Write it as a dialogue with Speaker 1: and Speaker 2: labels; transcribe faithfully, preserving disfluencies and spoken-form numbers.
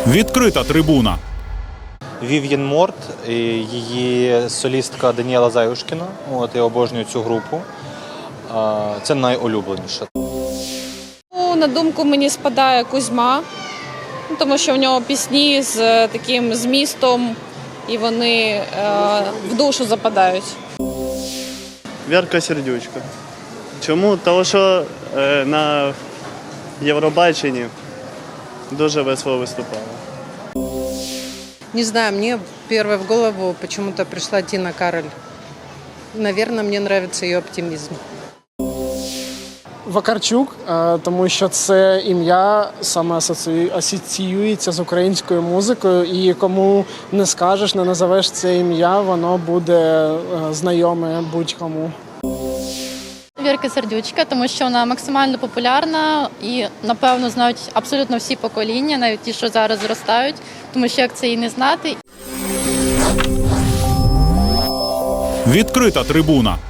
Speaker 1: Відкрита трибуна.
Speaker 2: Вів'єн Морт, її солістка Даніела Заюшкіна. От, я обожнюю цю групу. Це найулюбленіше.
Speaker 3: На думку мені спадає Кузьма, тому що в нього пісні з таким змістом і вони е, в душу западають.
Speaker 4: Вірка Сердючка. Чому? Тому що е, на Євробаченні дуже весело виступала.
Speaker 5: Не знаю, мне первой в голову почему-то пришла Тина Кароль. Наверное, мне нравится ее оптимизм.
Speaker 6: Вакарчук, тому що це ім'я саме асоціюється з українською музикою, і кому не скажеш, не назовеш це ім'я, воно буде знайоме будь-кому.
Speaker 7: Вірка Сердючка, тому що вона максимально популярна і, напевно, знають абсолютно всі покоління, навіть ті, що зараз зростають, тому що як це і не знати.
Speaker 1: Відкрита трибуна.